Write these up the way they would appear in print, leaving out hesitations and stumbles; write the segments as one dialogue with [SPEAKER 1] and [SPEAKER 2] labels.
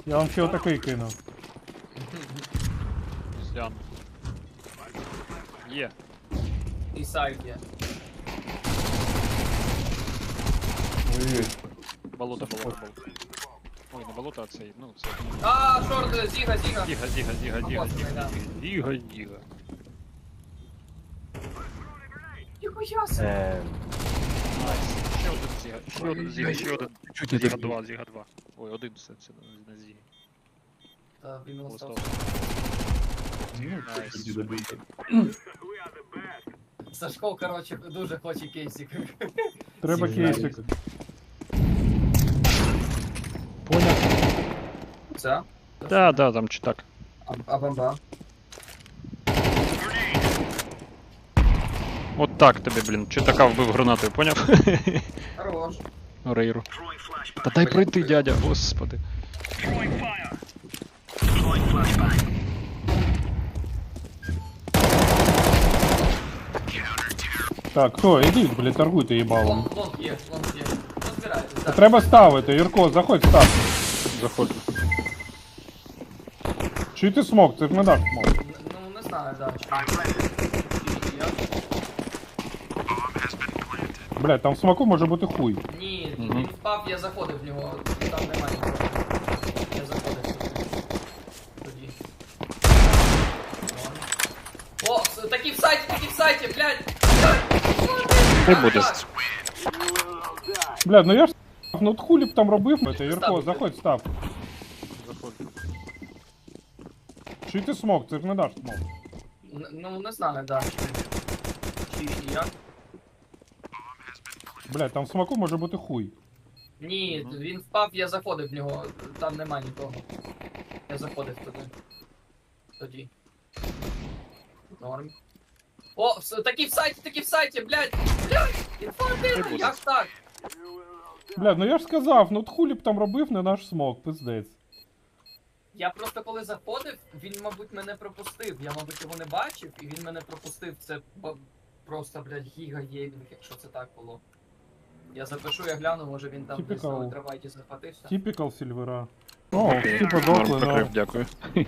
[SPEAKER 1] Я вам ще отакий кину.
[SPEAKER 2] Слян. Є.
[SPEAKER 3] І сайт є.
[SPEAKER 1] Ой-ой.
[SPEAKER 2] Болото. Ой, не болото, а цей, ну це.
[SPEAKER 3] А, шорт, зіга.
[SPEAKER 2] Зіга.
[SPEAKER 3] Ніхуя себе.
[SPEAKER 2] Найс. Ще один зіга. Зіга 2. Ой, один все, це не зіга.
[SPEAKER 3] Та він
[SPEAKER 2] Листов.
[SPEAKER 3] остався.
[SPEAKER 2] Найс.
[SPEAKER 3] Сашко, короче, дуже хоче кейсик.
[SPEAKER 1] Треба
[SPEAKER 3] Всі
[SPEAKER 1] кейсик.
[SPEAKER 3] знають.
[SPEAKER 1] Поняв.
[SPEAKER 3] Це?
[SPEAKER 2] Да, там чи так.
[SPEAKER 3] А бомба?
[SPEAKER 2] От так тобі, блін. Чи така вбив гранатою, поняв?
[SPEAKER 3] Хорош.
[SPEAKER 2] Рейру. Та дай пройти, дядя, господи.
[SPEAKER 1] Так, хто, ідіть, блядь, торгуйте їбалом.
[SPEAKER 3] Лонг є. Розбирайтесь, так.
[SPEAKER 1] Треба ставити, Юрко, заходь, став.
[SPEAKER 2] Заходжу.
[SPEAKER 1] Чи ти смок? Це ж не даш смок.
[SPEAKER 3] Ну, не знаю, да.
[SPEAKER 1] Блядь, там в смоку може бути хуй.
[SPEAKER 3] Ні, він впав, я заходив в нього, там немає нікого. Я заходив туди. Тоді. О, такі в сайті, блядь!
[SPEAKER 2] Ти будеш.
[SPEAKER 1] Блядь, ну я ж став, ну от хулі б там робив. Це, Юрко, заходь, став.
[SPEAKER 2] Заходжу.
[SPEAKER 1] Чи ти смок? Це ж не даш смок.
[SPEAKER 3] Ну, не знаю, да. Чи як?
[SPEAKER 1] Блядь, там в смоку може бути хуй.
[SPEAKER 3] Ні, він впав, я заходив в нього, там нема нікого. Я заходив туди. Тоді. Норм. О, такі в сайті, блядь! Інфантильно, як так?
[SPEAKER 1] Блядь, ну я ж сказав, ну от хулі б там робив не наш смок, пиздець.
[SPEAKER 3] Я просто коли заходив, він, мабуть, мене пропустив. Я, мабуть, його не бачив, і він мене пропустив. Це просто, блядь, гіга-геймінг, якщо це так було. Я запишу, я гляну, може він там десь на
[SPEAKER 1] Typical.
[SPEAKER 3] ультравайті захватився.
[SPEAKER 1] Типікал Сільвера. О, типа дохли, да.
[SPEAKER 2] Дякую.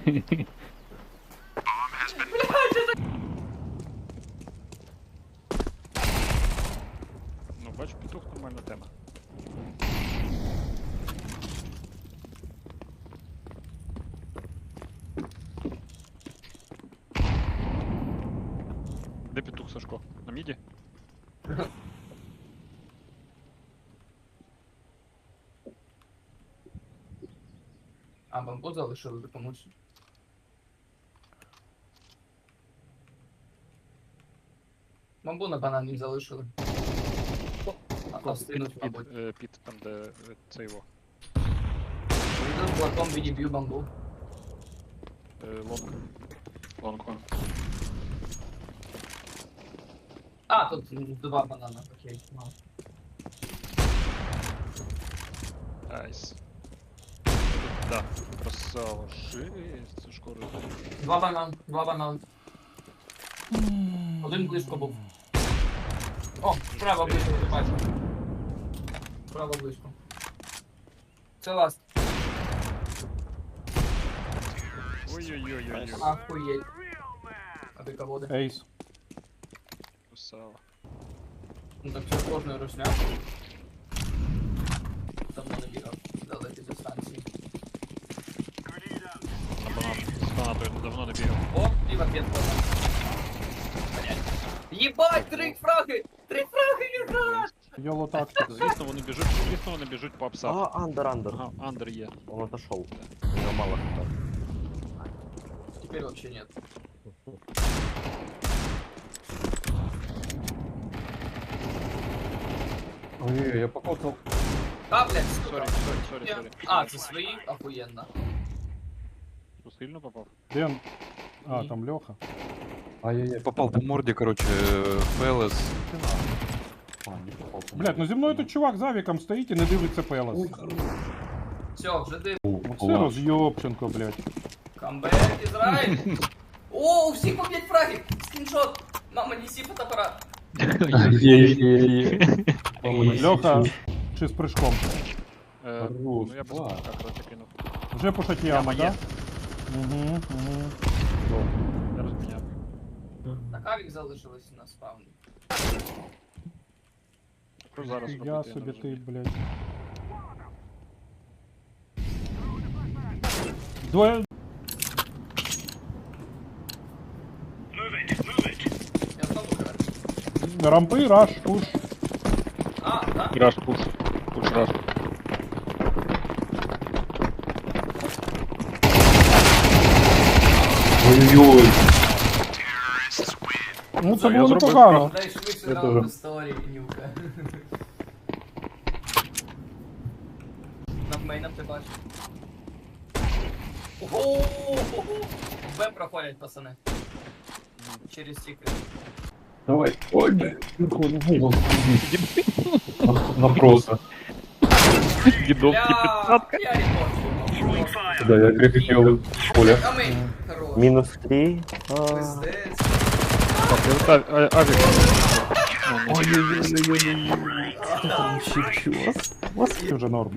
[SPEAKER 2] Ну, бачу, петух нормальна тема. Де петух, Сашко? На міді?
[SPEAKER 3] А, бамбу залишили комусь. Бамбу на банані залишили. А встигнуть, мабуть.
[SPEAKER 2] Під там, де це його.
[SPEAKER 3] Йду з блоком, відіб'ю бамбу.
[SPEAKER 2] Лонг. Лонг.
[SPEAKER 3] А, тут два банана, окей. Ну.
[SPEAKER 2] Найс. Да, красава. Шесть, Сашко розуміє.
[SPEAKER 3] Два банан. Один близько був. О, справа близько, ти бачиш. Справа близько. Це ласт.
[SPEAKER 2] Ой-ой-ой-ой-ой.
[SPEAKER 3] Ахуєть. А ти кого?
[SPEAKER 1] Ейс.
[SPEAKER 2] Красава.
[SPEAKER 3] Ну так це кожної русня. Давно не бігав. Далекі дистанції.
[SPEAKER 2] На банан. З банатою давно не бігав.
[SPEAKER 3] О, піва п'ятка. Єбать, три фраги! Три фраги, єбать!
[SPEAKER 1] Йоло тактик.
[SPEAKER 2] Звісно, вони біжуть по апсах.
[SPEAKER 4] А, андер.
[SPEAKER 2] Ага, андер є.
[SPEAKER 4] Он отошел. У него мало хп.
[SPEAKER 3] Теперь вообще нет.
[SPEAKER 1] Ой, я покотал.
[SPEAKER 3] А, блядь,
[SPEAKER 2] Сорі,
[SPEAKER 3] сука.
[SPEAKER 2] сорі.
[SPEAKER 3] А, це свої? Охуєнно.
[SPEAKER 2] Що, сильно попав?
[SPEAKER 1] Ден. А, там Леха.
[SPEAKER 5] Ай-яй-яй, попал по морде, короче, ФЛС.
[SPEAKER 1] А, не попал. Блядь, ну зі мною тут чувак за віком стоїть і не дивиться Пелес.
[SPEAKER 3] Все, вже див.
[SPEAKER 1] Ну це роз'єбченко, блядь.
[SPEAKER 3] Камбек, Ізраїль. О, у всіх по 5 фрагів. Скріншот. Мама, неси фотоапарат.
[SPEAKER 1] Леха, чи з прыжком?
[SPEAKER 2] Ну я без банка, короче, кинув.
[SPEAKER 1] Вже пушать яма,
[SPEAKER 2] Яма
[SPEAKER 1] да?
[SPEAKER 2] є.
[SPEAKER 1] Угу, угу.
[SPEAKER 2] Я розміняв.
[SPEAKER 3] Так, авік залишилось на спавні.
[SPEAKER 2] Що зараз
[SPEAKER 1] Я
[SPEAKER 2] робити, я
[SPEAKER 1] собі
[SPEAKER 2] не
[SPEAKER 1] ти,
[SPEAKER 2] розумію.
[SPEAKER 1] блядь. Двоє.
[SPEAKER 3] Я знову граю.
[SPEAKER 1] Рампи, раш, пуш.
[SPEAKER 3] А, так?
[SPEAKER 2] Раш пуш. Пуш раш.
[SPEAKER 4] Ой-ой-ой.
[SPEAKER 1] Ну це
[SPEAKER 2] Я
[SPEAKER 1] було
[SPEAKER 2] зробив
[SPEAKER 1] непогано.
[SPEAKER 3] Дай швидше
[SPEAKER 4] Я
[SPEAKER 3] раунд
[SPEAKER 4] теж.
[SPEAKER 3] історії, нюка. Над мейном ти бачиш. Ого! Б проходять, пацани. Через секрет.
[SPEAKER 4] Давай. Ой, блядь. Напросто.
[SPEAKER 2] Дідовський
[SPEAKER 3] Бля,
[SPEAKER 2] 15.
[SPEAKER 3] я репорчу.
[SPEAKER 4] Да, я крепил в поле.
[SPEAKER 3] А мейн, хорош.
[SPEAKER 6] Минус 3.
[SPEAKER 3] Пиздець.
[SPEAKER 2] Так, авік.
[SPEAKER 1] Вже норм.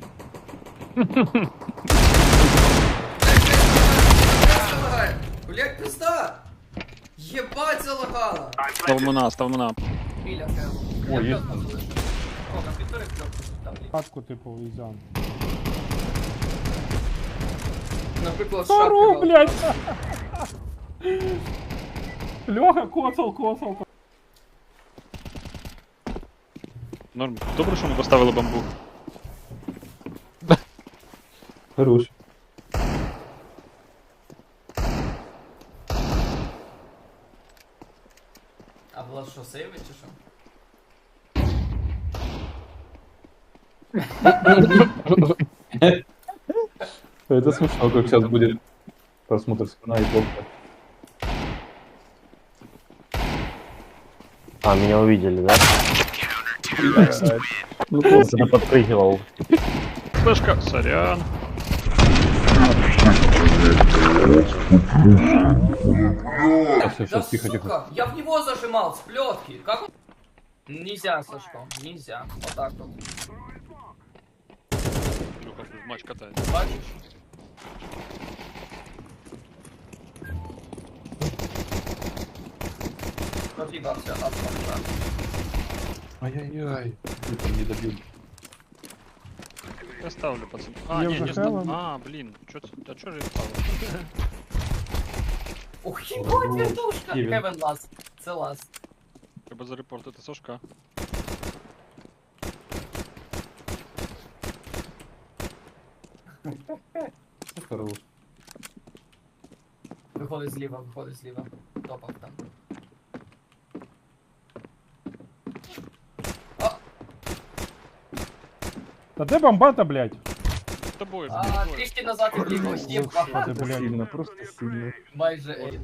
[SPEAKER 3] Блять, пизда! Єбать залагала!
[SPEAKER 2] Став мина.
[SPEAKER 3] Біля хел.
[SPEAKER 4] Ой, є.
[SPEAKER 3] О, комп'ютери кльопку там.
[SPEAKER 1] Хатку типу візян.
[SPEAKER 3] Наприклад,
[SPEAKER 1] Стару,
[SPEAKER 3] шапки.
[SPEAKER 1] блядь! Льоха, коцал.
[SPEAKER 2] Норм. Добре, що ми поставили бамбук.
[SPEAKER 4] Хорош.
[SPEAKER 3] А Влад що, сейвить чи що?
[SPEAKER 4] Это смешно, как сейчас будет просмотр скина и только.
[SPEAKER 6] А, меня увидели, да?
[SPEAKER 4] Ну, просто.
[SPEAKER 6] Кто-то подпрыгивал.
[SPEAKER 2] Флешка, сорян.
[SPEAKER 4] Сейчас, тихо, тихо.
[SPEAKER 3] сука, я в него зажимал с плетки. Как он? Нельзя, Сашко, нельзя. Вот так вот.
[SPEAKER 2] Люха в матч катається.
[SPEAKER 3] Бачишь? Разъебался от конца.
[SPEAKER 4] Ай-яй-яй. Ты там не добил.
[SPEAKER 2] Я ставлю, пацан. А,
[SPEAKER 1] Я
[SPEAKER 2] ні,
[SPEAKER 1] вже
[SPEAKER 2] не
[SPEAKER 1] хелом.
[SPEAKER 2] ставлю. А, блін. А чо ж я ставлю?
[SPEAKER 3] Ух, ебать, вертушка!
[SPEAKER 4] Кевин.
[SPEAKER 3] Кевин ласт. Це ласт.
[SPEAKER 2] Треба зарепортити Сашка.
[SPEAKER 4] Хорош.
[SPEAKER 3] Виходить зліва. Топав там.
[SPEAKER 1] Та де бомбата, блядь?
[SPEAKER 2] З тобою, з
[SPEAKER 3] А,
[SPEAKER 2] тобою.
[SPEAKER 3] трішки назад і вліво. Єбать.
[SPEAKER 1] Господи, блядь.
[SPEAKER 4] Сильно, просто сильно.
[SPEAKER 3] Майже Ейн.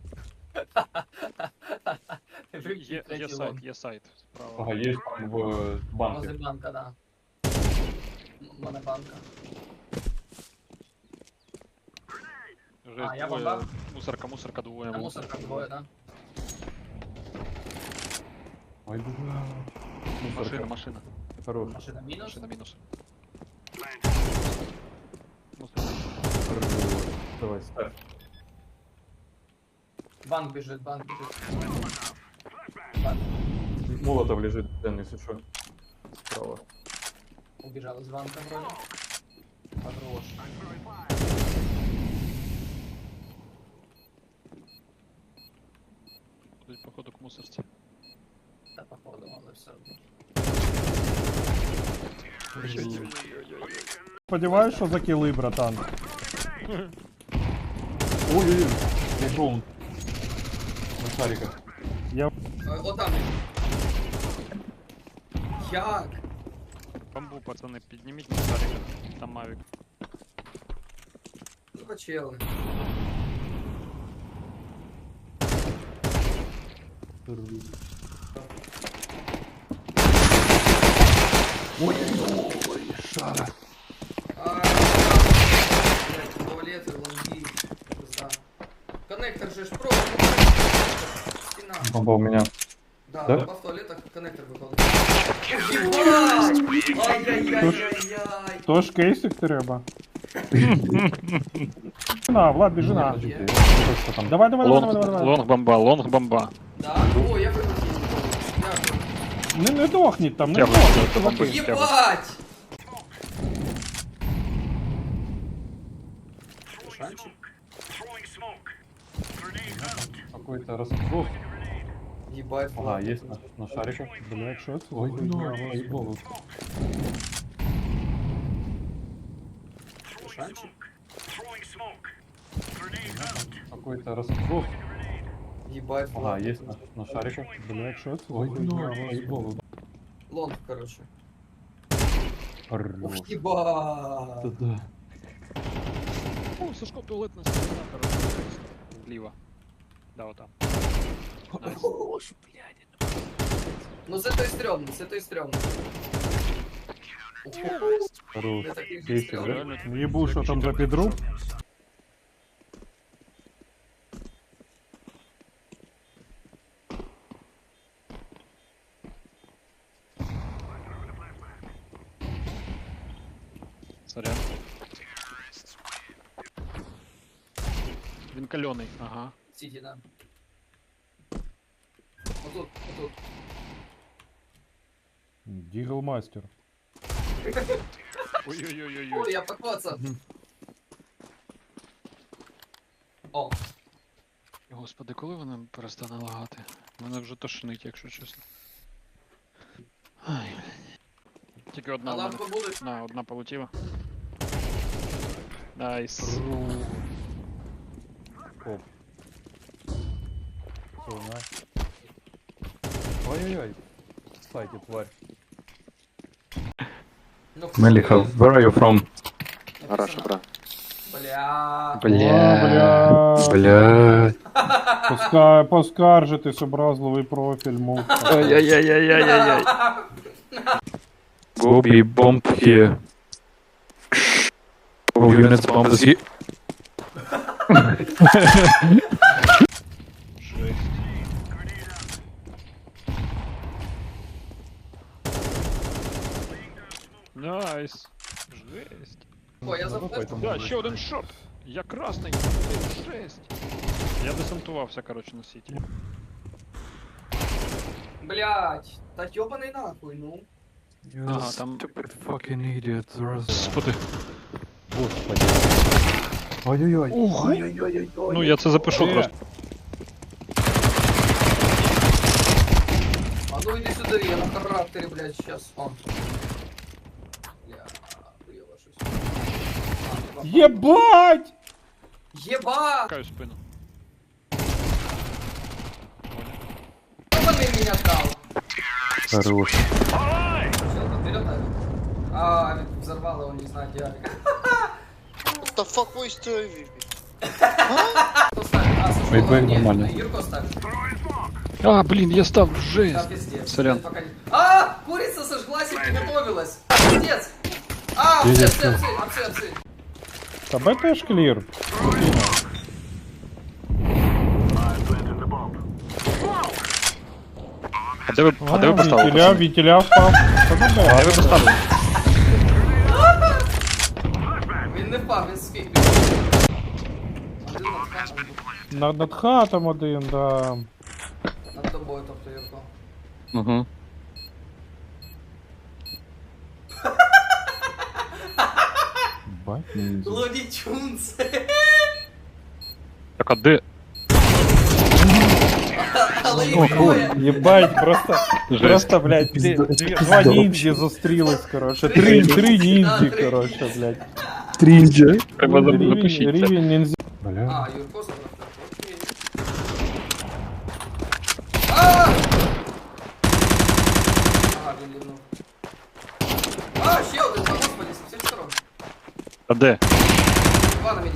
[SPEAKER 2] Є сайт. Справа.
[SPEAKER 4] Ага, есть там в банке.
[SPEAKER 3] Возле банка, да. Монобанка.
[SPEAKER 2] Вже
[SPEAKER 3] А, я
[SPEAKER 2] двоє.
[SPEAKER 3] бомбав?
[SPEAKER 2] Мусорка двоє.
[SPEAKER 3] На мусорках двоє, да?
[SPEAKER 4] Ой, бля.
[SPEAKER 2] Машина.
[SPEAKER 4] Хорош.
[SPEAKER 3] Машина мінус.
[SPEAKER 2] Машина мінус.
[SPEAKER 4] Хорош. Давай, ставь.
[SPEAKER 3] Банк біжить, банк біжить.
[SPEAKER 4] Молотов лежит, Дэн, если что. Справа.
[SPEAKER 3] Убіжали з банка вроде. Хорош.
[SPEAKER 2] Ходить походу к мусорці.
[SPEAKER 3] Та походу, але все одно.
[SPEAKER 1] Сподіваюсь, що закіли, братан.
[SPEAKER 4] Ой-ой-ой. Я клоун. На шариках.
[SPEAKER 3] О, там він. Як?
[SPEAKER 2] Бамбу, пацани, підніміть на шарик. Там мавік.
[SPEAKER 3] Ну, почели.
[SPEAKER 4] Шара.
[SPEAKER 3] Туалеты, лонги. Да. Коннектор же ж просто. Стена.
[SPEAKER 4] Бомба у меня.
[SPEAKER 3] Да,
[SPEAKER 4] Да?
[SPEAKER 3] бомба в туалетах, коннектор выходит. Ебать! Ай-яй-яй-яй-яй!
[SPEAKER 1] Тож кейсик треба. На, Влад, біжи на. Що там? Давай, давай, давай, давай, давай.
[SPEAKER 2] Лонг бомба, лонг бомба.
[SPEAKER 3] Да? О, я вилетів. Дякую.
[SPEAKER 1] Не дохніть там, не
[SPEAKER 2] Тягуй,
[SPEAKER 1] дохніть.
[SPEAKER 2] тягуй,
[SPEAKER 1] чуваки.
[SPEAKER 2] тягуй.
[SPEAKER 3] Єбать! Шанчик?
[SPEAKER 4] Какой-то раскол.
[SPEAKER 3] Ебать,
[SPEAKER 4] Ага, есть на шарике.
[SPEAKER 1] Блядь, що це?
[SPEAKER 4] Ой,
[SPEAKER 1] за
[SPEAKER 4] ну,
[SPEAKER 1] хуйня?
[SPEAKER 4] ебал.
[SPEAKER 3] Шанчик?
[SPEAKER 4] Какой-то раскол.
[SPEAKER 3] Ебать,
[SPEAKER 4] Ага, есть на шарике.
[SPEAKER 1] Блядь, що це? за
[SPEAKER 4] Ой, ну,
[SPEAKER 1] хуйня?
[SPEAKER 4] ебал.
[SPEAKER 3] лонг, короче.
[SPEAKER 4] Хорош.
[SPEAKER 3] Ух, ебать!
[SPEAKER 4] Да.
[SPEAKER 2] О, Сашко, туалетна сторона, короче. Вліво. Да, отам. Найс.
[SPEAKER 3] Ну це той стрёмний, це той стрёмний.
[SPEAKER 4] Хорош.
[SPEAKER 3] Я такий
[SPEAKER 4] Кейсик,
[SPEAKER 3] стрёмний.
[SPEAKER 4] да?
[SPEAKER 2] Реально,
[SPEAKER 1] Єбу, що там за підруб?
[SPEAKER 2] Сорян. Він кальоний, ага.
[SPEAKER 3] Сіді, да. Отут, отут.
[SPEAKER 1] Діглмастер.
[SPEAKER 2] Ой-ой-ой-ой.
[SPEAKER 3] Ой, я покоцав. О,
[SPEAKER 2] Господи, коли вона перестане лагати? Мене вже тошнить, якщо чесно. Ай. Тільки одна
[SPEAKER 3] а
[SPEAKER 2] в мене.
[SPEAKER 3] лампа буде?
[SPEAKER 2] На, одна полетіла. Найс.
[SPEAKER 4] Оп. Всё, на. Ой-ой-ой. Сайте, тварь.
[SPEAKER 3] Ну,
[SPEAKER 5] Мелиха, where are you from?
[SPEAKER 2] Хорошо, брат.
[SPEAKER 3] Бля.
[SPEAKER 1] Бля.
[SPEAKER 5] Бля.
[SPEAKER 1] Поскаржитись, образливий профіль, муха.
[SPEAKER 5] Ай-яй-яй-яй-яй-яй. Go be bomb here. Go units bomb this here.
[SPEAKER 2] Жесть. Найс. Жесть.
[SPEAKER 3] О, я заплив.
[SPEAKER 2] Да, ще один шорт. Я красний. Жесть. Я десантувався, короче, на сіті.
[SPEAKER 3] Блять. Та ёбаний нахуй, ну.
[SPEAKER 2] Ага, там...
[SPEAKER 5] Stupid fucking idiot.
[SPEAKER 2] Господи.
[SPEAKER 4] Господи. Ой-ой-ой.
[SPEAKER 5] Ой-ой-ой-ой.
[SPEAKER 2] Ну, я це запишу
[SPEAKER 1] Е.
[SPEAKER 2] просто.
[SPEAKER 3] А ну иди сюда, я на характере, блядь, сейчас. О. Бля, хуёво щось. А,
[SPEAKER 1] Єбать!
[SPEAKER 3] Еба!
[SPEAKER 2] Каю спину.
[SPEAKER 3] Ёбаный меня дал.
[SPEAKER 4] Хорош.
[SPEAKER 3] Всё, там вперед, а, ведь взорвало, он не знает, где.
[SPEAKER 7] What the fuck was doing?
[SPEAKER 3] Кто ставит? А, слушай,
[SPEAKER 4] Вейп, вейп,
[SPEAKER 3] нет,
[SPEAKER 4] нормально.
[SPEAKER 3] Юрко ставит.
[SPEAKER 2] А, блін, я став,
[SPEAKER 3] Да,
[SPEAKER 2] жесть.
[SPEAKER 3] пиздец.
[SPEAKER 2] Сорян.
[SPEAKER 3] Пока не- А, курица сожглась и приготовилась. Пиздец. А, апсы.
[SPEAKER 1] Та Б теж клір.
[SPEAKER 2] А де ви поставили?
[SPEAKER 1] Вітіля впав. Та на Б.
[SPEAKER 2] Де ви поставили?
[SPEAKER 3] Він не впав, він спів. Один над хатом,
[SPEAKER 1] Над хатом один, да.
[SPEAKER 3] над тобою, тобто, Юрко.
[SPEAKER 2] Угу.
[SPEAKER 1] Бать, ніндзя.
[SPEAKER 3] Луні Тюнс.
[SPEAKER 2] Так, а де?
[SPEAKER 3] Але їх двоє.
[SPEAKER 1] Єбать, просто, блядь, два ніндзі зустрілись, коротше. Три ніндзі, коротше, блядь.
[SPEAKER 5] Тринджа.
[SPEAKER 2] Треба запишіть це.
[SPEAKER 1] Рівень ніндзі.
[SPEAKER 3] А, Юрко забрав. Окей. А! Ага, він лівнув. А, ще один, та господи, з всіх сторон.
[SPEAKER 2] А де?
[SPEAKER 3] Два на мені.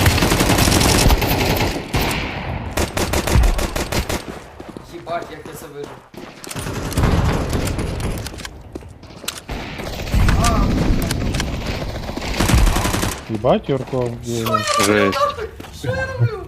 [SPEAKER 3] Єбать, як я це вижив. А,
[SPEAKER 1] Єбать, Юрко, блін.
[SPEAKER 2] Жесть.
[SPEAKER 3] що я роблю?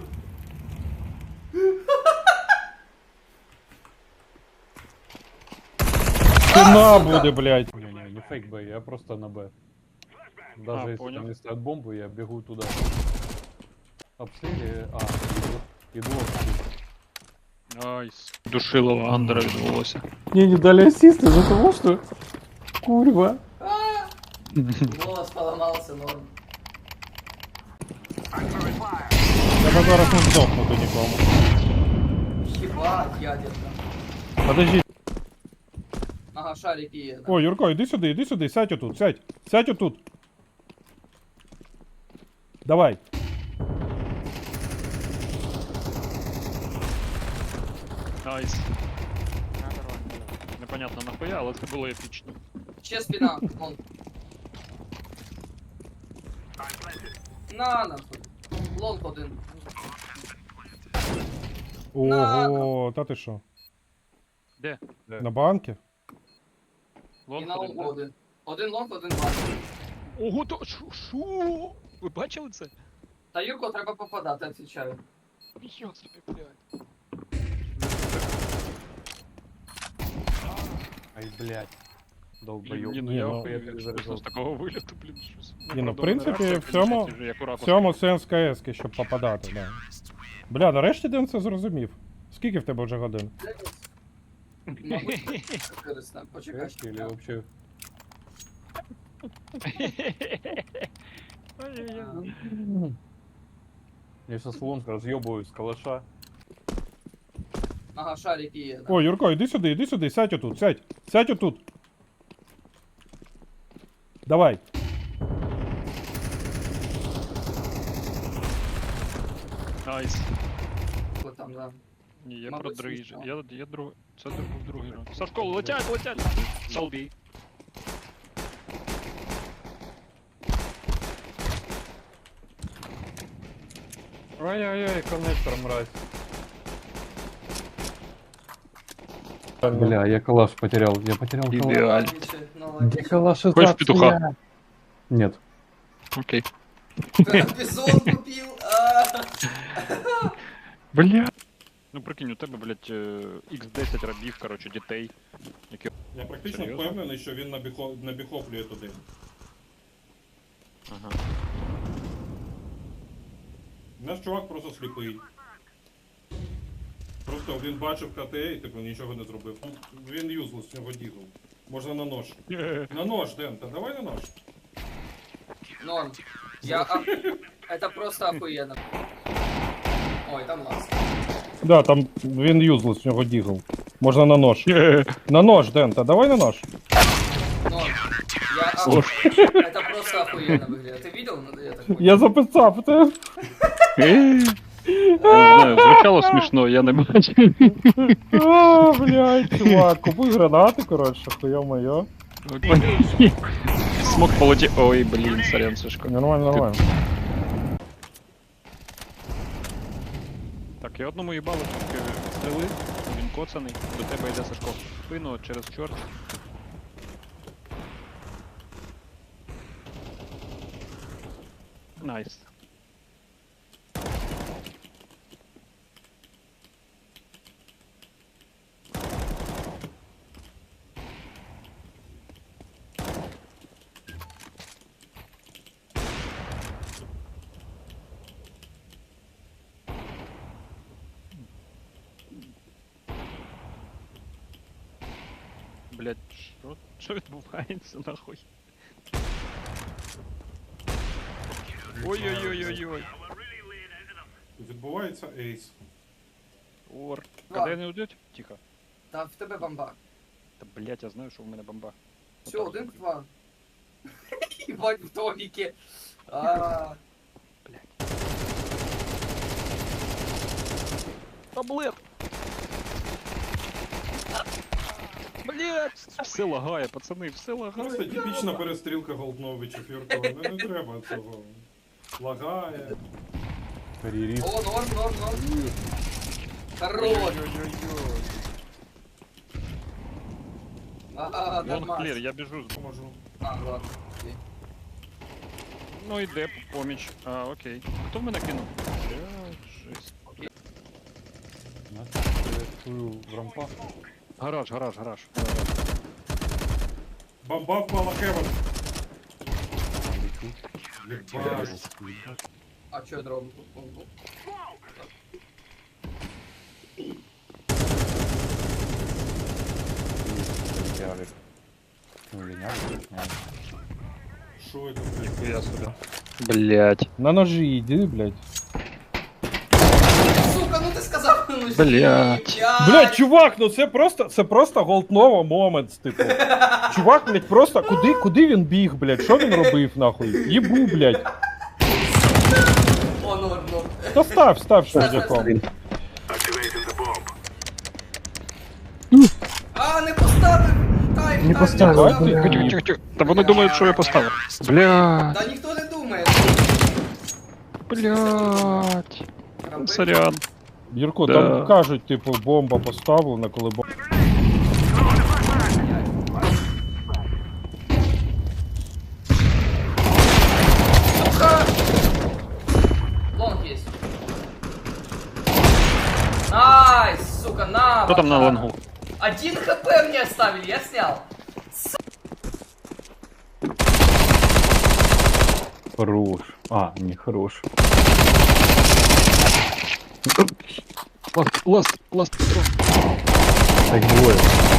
[SPEAKER 1] Стіна буде, блядь.
[SPEAKER 4] Не фейк Б, я просто на Б. Даже если
[SPEAKER 2] понял.
[SPEAKER 4] там не ставят бомбу, я бегу туда. Обстрели. Иду обстрелить.
[SPEAKER 2] Найс. Душилово Андера відбулося.
[SPEAKER 4] Мне не дали ассист из-за того, что... Курва.
[SPEAKER 3] Голос поламався, норм.
[SPEAKER 1] Я би зараз не здохнути нікому.
[SPEAKER 3] Єбать, ядерка.
[SPEAKER 1] Подожди.
[SPEAKER 3] Ага, шарики є.
[SPEAKER 1] О, Юрко, іди сюди, сядь отут, сядь. Сядь отут. Давай.
[SPEAKER 2] Найс. Непонятно нахуя, але це було епічно.
[SPEAKER 3] Ще спина. Вон. На нахуй. Лонг один.
[SPEAKER 1] Ого, та ти що?
[SPEAKER 2] Де?
[SPEAKER 1] На банки?
[SPEAKER 3] І
[SPEAKER 2] Лонг
[SPEAKER 3] на
[SPEAKER 2] один,
[SPEAKER 3] лонг
[SPEAKER 2] да?
[SPEAKER 3] один. Один лонг, один банк.
[SPEAKER 2] Ого, то шо? Ви бачили це?
[SPEAKER 3] Та Юрко треба попадати, відвічаю.
[SPEAKER 2] Ніхто собі, блядь.
[SPEAKER 4] Ай, блядь. Долбоёб.
[SPEAKER 2] Ні, ну
[SPEAKER 1] Ні,
[SPEAKER 2] я
[SPEAKER 1] ну,
[SPEAKER 2] охуєв,
[SPEAKER 4] я
[SPEAKER 2] якщо чесно, з такого виліту, блін, щось.
[SPEAKER 1] Ні, ну, в
[SPEAKER 2] правда,
[SPEAKER 1] принципі,
[SPEAKER 2] реакція,
[SPEAKER 1] в цьому-
[SPEAKER 2] звісно, як у
[SPEAKER 1] В
[SPEAKER 2] ракурсу.
[SPEAKER 1] цьому сенс КС, щоб попадати, да. Бля, нарешті Ден це зрозумів. Скільки в тебе вже годин?
[SPEAKER 3] Мабуть, 400. Почекай.
[SPEAKER 4] Или вообще...
[SPEAKER 2] Ой-ой-ой.
[SPEAKER 4] Я сейчас лонг разъебываю с калаша.
[SPEAKER 3] Ага, шарики є.
[SPEAKER 1] О, Юрко, іди сюди, сядь отут, сядь. Сядь отут. Давай.
[SPEAKER 2] Найс.
[SPEAKER 3] Там, да.
[SPEAKER 2] Ні, я
[SPEAKER 3] Мабуть,
[SPEAKER 2] про другий.
[SPEAKER 3] смішно.
[SPEAKER 2] Я другий. Це був другий раунд. Сашко, летять! Салбі.
[SPEAKER 4] Ай-яй-яй, коннектор, мразь. Бля, я калаш потерял. Я потерял калаш.
[SPEAKER 2] Ідеально.
[SPEAKER 4] Где калаш?
[SPEAKER 2] Хочешь петуха?
[SPEAKER 4] Нет.
[SPEAKER 2] Окей.
[SPEAKER 3] Бізон купив.
[SPEAKER 2] Бля. Ну прикинь, у тебе, блядь, X10 рабів, короче, дітей. Які...
[SPEAKER 1] Я практично
[SPEAKER 2] Серйозно?
[SPEAKER 1] впевнений, що він набіхоплює туди.
[SPEAKER 2] Ага.
[SPEAKER 1] Наш чувак просто сліпий. Просто він бачив КТ і типу нічого не зробив. Він юзлес, в нього дізл. Можна на нож. На нож, Ден, та давай на нож.
[SPEAKER 3] Норм. Это просто охуенно. Ой, там лаз.
[SPEAKER 1] Да, там він юзлес, в нього дізл. Можна на нож. На нож, Ден, та давай на нож.
[SPEAKER 3] Норм. Это просто охуенно выглядит. Ты видел? Я так понял.
[SPEAKER 1] Я записав це.
[SPEAKER 2] Не знаю, звучало смішно, я не бачив.
[SPEAKER 1] А, блядь, чувак, купуй гранати, коротше, хуя-моє.
[SPEAKER 2] Смог полетіти. Ой, блін, сорян, Сашко.
[SPEAKER 1] Нормально, нормально.
[SPEAKER 2] Так, я одному їбало тільки стріли, він коцаний, до тебе йде Сашко в спину через чорт. Найс. Блять, що відбувається нахуй? Ой-ой-ой-ой-ой.
[SPEAKER 1] Відбувається ейс.
[SPEAKER 2] Ор.
[SPEAKER 3] Ладно.
[SPEAKER 2] Когда не уйдет? Тихо.
[SPEAKER 3] Там в тебе бомба.
[SPEAKER 2] Та блять, я знаю, що в мене бомба.
[SPEAKER 3] Все,
[SPEAKER 2] Отак.
[SPEAKER 3] 1-2. Ебать в домике. А,
[SPEAKER 2] Таблет! Блять! Все лагає, пацани, все лагає.
[SPEAKER 1] Просто типічна перестрілка Голдновичів, Юрко. Не треба цього. Лагає.
[SPEAKER 4] Карьерист.
[SPEAKER 3] О, норм. Хорош.
[SPEAKER 2] Ой-ой-ой-ой.
[SPEAKER 3] Ага,
[SPEAKER 2] Вон клір,
[SPEAKER 3] нормально.
[SPEAKER 2] я біжу.
[SPEAKER 1] Поможу.
[SPEAKER 3] А, ладно. окей.
[SPEAKER 2] Ну йде поміч. А, окей. Хто в мене кинув? Блядь, жесть.
[SPEAKER 4] В рампах.
[SPEAKER 2] Гараж.
[SPEAKER 1] Бомба впала Хевен. Єбать.
[SPEAKER 3] А чо я дроблю?
[SPEAKER 4] Явик. Ну, или не Явик, не.
[SPEAKER 1] Що це, блядь?
[SPEAKER 2] Я сюди. Блять.
[SPEAKER 4] На ножи иди, блядь.
[SPEAKER 3] Сука, ну ти сказав, ну
[SPEAKER 2] Блядь.
[SPEAKER 4] Блядь, чувак, ну це просто голднова момент, типу. Чувак, блядь, просто куди він біг, блядь? Що він робив, нахуй? Їбу, блядь.
[SPEAKER 3] О, норм.
[SPEAKER 4] Та став швидяком.
[SPEAKER 3] А, не поставив! Тайм,
[SPEAKER 6] Не поставив,
[SPEAKER 2] Тихо. Та вони думають, що я поставив. Блять.
[SPEAKER 3] Та ніхто не думає.
[SPEAKER 2] Блять. Сорян.
[SPEAKER 4] Юрко,
[SPEAKER 2] Да.
[SPEAKER 4] там кажуть, типу, бомба поставлена, коли бомба.
[SPEAKER 3] Лонг есть. Найс, сука, на!
[SPEAKER 2] Хто там на
[SPEAKER 3] братан.
[SPEAKER 2] лонгу?
[SPEAKER 3] 1 хп мне оставили, я снял.
[SPEAKER 4] Хорош. А, не хорош.
[SPEAKER 2] Ласт, Петро.
[SPEAKER 4] Так двоє.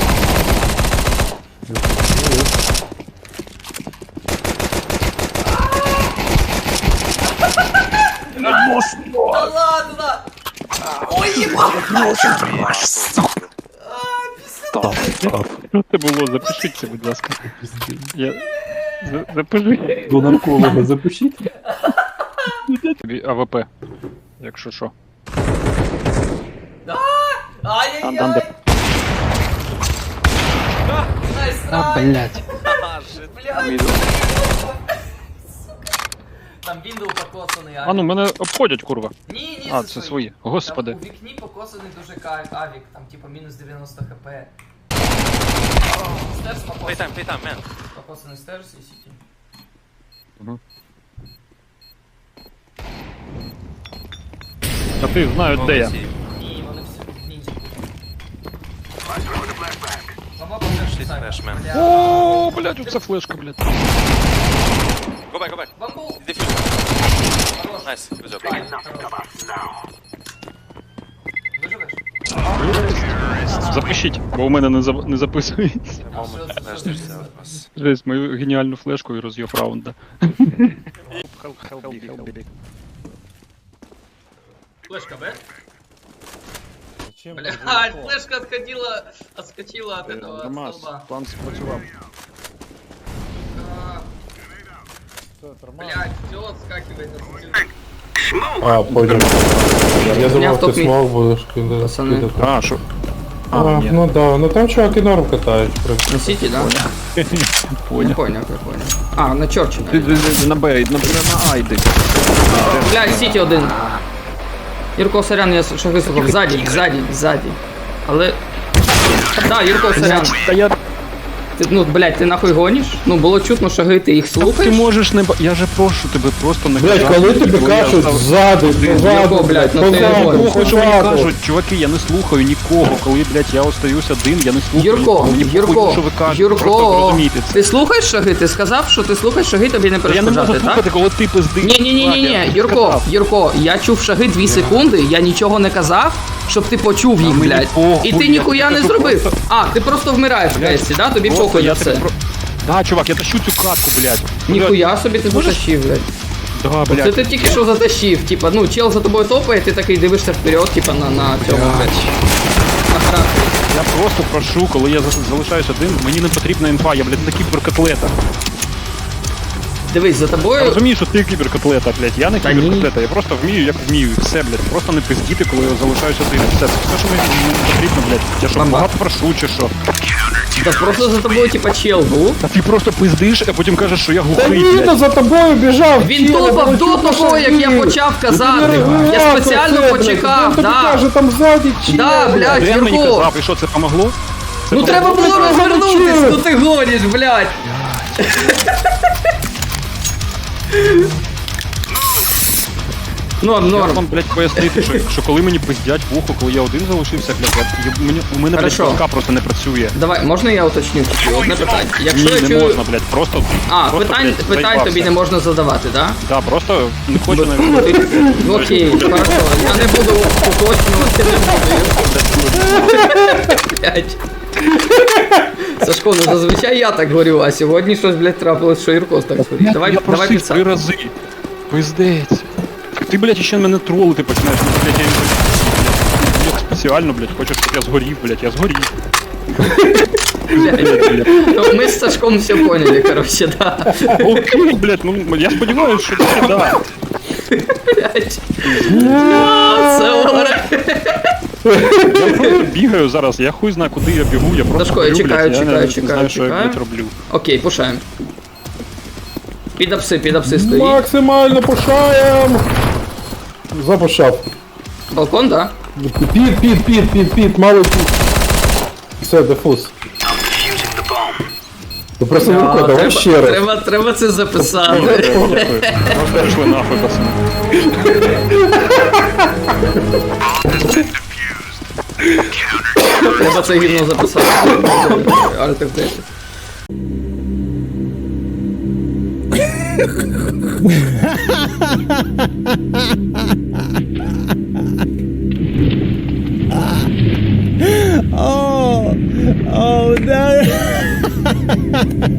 [SPEAKER 3] Да ладно! Ой, ебать!
[SPEAKER 2] Що це було? Запишіть це, будь ласка. Я... Запиши.
[SPEAKER 4] До нарколога запишіть.
[SPEAKER 2] Тобі АВП. Якщо що.
[SPEAKER 3] Ай-яй-яй!
[SPEAKER 2] Андер.
[SPEAKER 3] Найс,
[SPEAKER 2] А,
[SPEAKER 3] найс!
[SPEAKER 2] блять.
[SPEAKER 3] Блядь! Там Windows покосаний,
[SPEAKER 2] А ну мене обходять, курва.
[SPEAKER 3] Ні,
[SPEAKER 2] А, це свої. Господи.
[SPEAKER 3] Там у вікні покосаний дуже авік, там типа мінус 90 хп. Стерс покосаний. Покосаний стерс і сіті.
[SPEAKER 2] Та ти знають, де я.
[SPEAKER 3] Ні, вони всі в вікні. Мама покаже сайт.
[SPEAKER 2] О, блять, оце флешка, блять.
[SPEAKER 3] Бамбул! Хорош.
[SPEAKER 8] Nice, good job.
[SPEAKER 3] Файн, хорош. Виживеш?
[SPEAKER 2] Запишіть, бо у мене не записується.
[SPEAKER 3] А що це? Що це?
[SPEAKER 2] Жесть, мою геніальну флешку і роз'єб раунда.
[SPEAKER 3] Флешка, Б? Блядь, флешка отскочила от этого столба.
[SPEAKER 2] план спрацював.
[SPEAKER 3] Блядь, все отскакивает на сантиметр.
[SPEAKER 9] А, понял. Я думал, ты смог будешь кидать.
[SPEAKER 2] А, що?
[SPEAKER 9] Ну да, ну там чуваки норм катают.
[SPEAKER 10] На Сити, да?
[SPEAKER 2] Понял.
[SPEAKER 10] Понял. А, на Чорчі.
[SPEAKER 2] На Б, на А йди.
[SPEAKER 10] Блядь, Сіті один. Юрко, сорян, я що вислухав. Ззаді. Але... Да, Юрко, сорян.
[SPEAKER 2] Та я...
[SPEAKER 10] Ти, ну, блядь, ти нахуй гониш? Ну, було чутно, шаги, ти їх
[SPEAKER 2] Ти
[SPEAKER 10] слухаєш?
[SPEAKER 2] можеш не... Я же прошу тебе просто не
[SPEAKER 9] Блять,
[SPEAKER 2] казати,
[SPEAKER 9] коли тебе
[SPEAKER 2] бо я
[SPEAKER 9] кажуть
[SPEAKER 2] став-
[SPEAKER 9] ззаду, позаду,
[SPEAKER 10] блядь, ну ти
[SPEAKER 9] позаду,
[SPEAKER 10] говориш.
[SPEAKER 2] Похуй, що мені
[SPEAKER 9] позаду.
[SPEAKER 2] кажуть, чуваки, я не слухаю нікого, коли, блядь, я остаюсь один, я не слухаю нікого. Мені похуй, що ви кажете, просто
[SPEAKER 10] Юрко,
[SPEAKER 2] зрозумійте це.
[SPEAKER 10] ти слухаєш шаги? Ти сказав, що ти слухаєш шаги, тобі не
[SPEAKER 2] Я не можу
[SPEAKER 10] перешкоджати, так?
[SPEAKER 2] слухати, коли ти пиздиш.
[SPEAKER 10] Ні,
[SPEAKER 2] Чувак,
[SPEAKER 10] Юрко, я чув шаги 2 секунди, я нічого не казав, щоб ти почув їх,
[SPEAKER 2] мені
[SPEAKER 10] блядь.
[SPEAKER 2] похуй,
[SPEAKER 10] І ти
[SPEAKER 2] я
[SPEAKER 10] ніхуя не
[SPEAKER 2] кажу
[SPEAKER 10] зробив.
[SPEAKER 2] просто-
[SPEAKER 10] А, ти просто вмираєш в кесті, да? Тобі
[SPEAKER 2] Просто
[SPEAKER 10] похуй на
[SPEAKER 2] я
[SPEAKER 10] це.
[SPEAKER 2] тебе про- Да, чувак, я тащу цю катку, блядь.
[SPEAKER 10] Ніхуя собі ти затащив, блядь.
[SPEAKER 2] Да,
[SPEAKER 10] Це
[SPEAKER 2] блядь.
[SPEAKER 10] ти тільки що затащив, типа, ну, чел за тобою топає, ти такий дивишся вперед, типа, на цьому, блядь. На характері.
[SPEAKER 2] Я просто прошу, коли я залишаюсь один, мені не потрібна інфа, я, блядь, не кіберкотлета.
[SPEAKER 10] Дивись, за
[SPEAKER 2] Я
[SPEAKER 10] тобою...
[SPEAKER 2] розумію, що ти кіберкотлета, блядь, я не
[SPEAKER 10] Та ні.
[SPEAKER 2] кіберкотлета, я просто вмію, як вмію, і все, блядь, просто не пиздіти, коли я залишаюсь один, і все, це все, що мені не потрібно, блядь, я що,
[SPEAKER 10] Мама.
[SPEAKER 2] багато прошу, чи що?
[SPEAKER 10] Та просто за тобою, типа, чел був.
[SPEAKER 2] Та ти просто пиздиш, а потім кажеш, що я
[SPEAKER 9] Та
[SPEAKER 2] глухий,
[SPEAKER 9] Віта
[SPEAKER 2] блядь.
[SPEAKER 9] за тобою біжав.
[SPEAKER 10] Він
[SPEAKER 9] чел,
[SPEAKER 10] топав
[SPEAKER 9] я
[SPEAKER 10] до
[SPEAKER 9] чув,
[SPEAKER 10] того, як я
[SPEAKER 9] шаги.
[SPEAKER 10] почав
[SPEAKER 9] Ти
[SPEAKER 10] казати.
[SPEAKER 9] не
[SPEAKER 10] Я
[SPEAKER 9] регулював
[SPEAKER 10] спеціально
[SPEAKER 9] це, блядь.
[SPEAKER 10] почекав,
[SPEAKER 9] Він тобі
[SPEAKER 10] да.
[SPEAKER 9] каже, там ззаді чел.
[SPEAKER 10] Да, блядь,
[SPEAKER 2] Ден мені
[SPEAKER 10] Юрко.
[SPEAKER 2] казав, і що, це помогло? Це
[SPEAKER 10] Ну треба
[SPEAKER 2] помогло?
[SPEAKER 10] було розвернутись,
[SPEAKER 9] чел.
[SPEAKER 10] ну ти гониш, блядь. Норм,
[SPEAKER 2] Я
[SPEAKER 10] норм.
[SPEAKER 2] вам, блядь, пояснити, що коли мені пиздять вухо, коли я один залишився, блядь, у мене, блядь,
[SPEAKER 10] Хорошо.
[SPEAKER 2] башка просто не працює.
[SPEAKER 10] Давай, можна я уточню тільки одне питання? Якщо
[SPEAKER 2] Ні,
[SPEAKER 10] я
[SPEAKER 2] не
[SPEAKER 10] чую...
[SPEAKER 2] можна, блядь, просто...
[SPEAKER 10] А,
[SPEAKER 2] просто,
[SPEAKER 10] питань
[SPEAKER 2] блядь, заїбався.
[SPEAKER 10] тобі не можна задавати, да?
[SPEAKER 2] Да, просто не хочу навіть...
[SPEAKER 10] Окей, хорошо. Я не буду уточнювати, не буду. Блядь. Сашко, ну зазвичай я так говорю, а сьогодні щось, блядь, трапилось, що Юркос так говорить. Давай,
[SPEAKER 2] я
[SPEAKER 10] давай
[SPEAKER 2] просив 3 рази. Пиздець. Так ти, блядь, ще мене тролити починаєш. Ну, блядь, я спеціально, блядь, хочеш, щоб я згорів, блядь, я згорів.
[SPEAKER 10] Блядь. Ну, ми з Сашком все поняли, короче, да.
[SPEAKER 2] Окей, блядь, ну я сподіваюся, що це да.
[SPEAKER 10] Блядь. Це горе.
[SPEAKER 2] Я просто бігаю зараз, я хуй знаю, куди я бігу, я просто
[SPEAKER 10] Сашко, я
[SPEAKER 2] горю,
[SPEAKER 10] чекаю,
[SPEAKER 2] блядь,
[SPEAKER 10] чекаю,
[SPEAKER 2] не
[SPEAKER 10] чекаю,
[SPEAKER 2] знаю, що я,
[SPEAKER 10] чекаю.
[SPEAKER 2] блядь, роблю.
[SPEAKER 10] Окей, пушаємо. Під апси стоїть.
[SPEAKER 9] Максимально пушаєм! Запушав.
[SPEAKER 10] Балкон, да?
[SPEAKER 9] Під, малий під. Все, дефуз. Ти просто Юрко, давай ще раз.
[SPEAKER 10] Треба це записати.
[SPEAKER 2] Дякую. Просто пішли нахуй, пацани.
[SPEAKER 10] Треба це гівно записати. Альт F10.
[SPEAKER 8] Oh, oh no.